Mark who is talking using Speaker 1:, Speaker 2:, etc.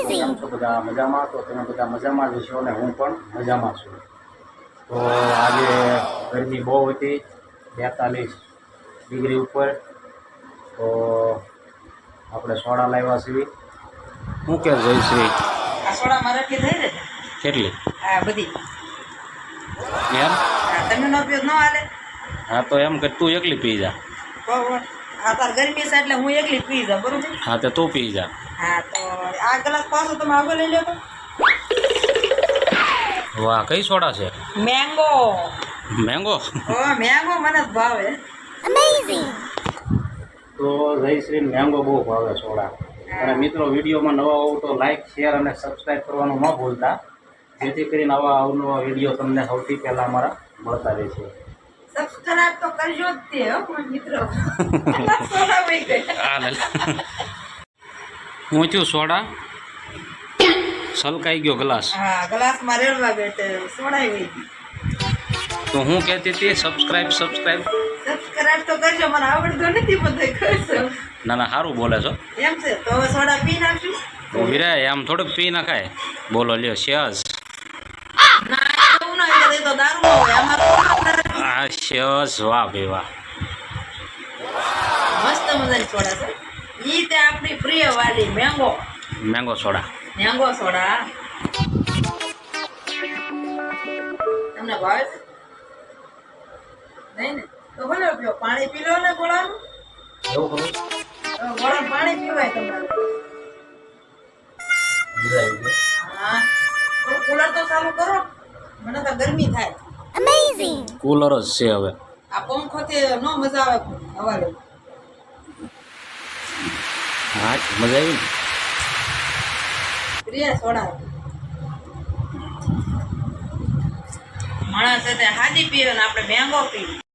Speaker 1: કેમ છો બધા મજામાં? તો તમે બધા મજામાં જ છો અને હું પણ મજામાં છું. તો આજે ગરમી બહુ હતી, 42 ડિગ્રી ઉપર. તો આપણે સોડા લાવ્યા છીએ. શું કે જયશ્રી?
Speaker 2: આ સોડા મારાથી થઈ ને
Speaker 1: કેટલી?
Speaker 2: આ બધી
Speaker 1: એમ?
Speaker 2: તમે નો ઉપયોગ ન હાલે.
Speaker 1: હા તો એમ કે તું એકલી પી જા.
Speaker 2: આ તાર ગરમી છે એટલે હું એકલી પી જાઉં, બરોબર?
Speaker 1: હા તો તું પી જા.
Speaker 2: હા તો આ ગ્લાસ પાછો તમે આગળ લઈ લો તો.
Speaker 1: વાહ, કઈ સોડા છે?
Speaker 2: મેંગો.
Speaker 1: મેંગો?
Speaker 2: મેંગો મને જ ભાવે.
Speaker 1: તો જયશ્રી મેંગો બહુ ભાવે સોડા. અને મિત્રો, વિડીયોમાં નવા હોવ તો લાઈક, શેર અને સબસ્ક્રાઈબ કરવાનું ન ભૂલતા, જેથી કરીને આવા અવનવા વિડીયો તમને સૌથી પહેલાં અમારા મળતા રહેશે.
Speaker 2: સબસ્ક્રાઇબ તો કરજો જ તે હો મિત્રો. સોડા વહી ગઈ.
Speaker 1: હું થયું સોડા સલકાઈ ગયો ગ્લાસ.
Speaker 2: હા, ગ્લાસમાં રેડવા ગઈ તે સોડા વહી ગઈ.
Speaker 1: તો હું કહેતી હતી સબસ્ક્રાઈબ.
Speaker 2: સબસ્ક્રાઇબ તો કરજો, મને આવડતું નથી બધું કરશો.
Speaker 1: ના ના, સારું બોલે છો.
Speaker 2: એમ છે તો હવે સોડા પી નાખશું.
Speaker 1: તો વિરાય આમ થોડુંક પી નાખાય. બોલો લ્યો શેઝ.
Speaker 2: ના એવું ના હોય, એ તો દારૂ હોય. આમાં
Speaker 1: આ શેઝ, વાહ ભાઈ વાહ.
Speaker 2: મસ્ત મજાની સોડા છે. ઈ તે આપણી પ્રિય વાલી mango.
Speaker 1: Mango soda.
Speaker 2: Mango soda તમને ભાવે છે? નહીં ને તો ભલે પીઓ. પાણી પી લો ને ગોળાનું.
Speaker 1: એવું ખરું?
Speaker 2: ગોળાનું પાણી પીવાય તમારે. હા, થોડું કુલર તો ચાલુ કરો. મને તો ગરમી થાય.
Speaker 1: કુલર જ છે હવે.
Speaker 2: આ પંખોથી નો મજા આવે હવા લેવું.
Speaker 1: હા, મજા આવી ને.
Speaker 2: પ્રિય સોડા માણસ હાજી પીવે ને આપણે મેંગો પીવી.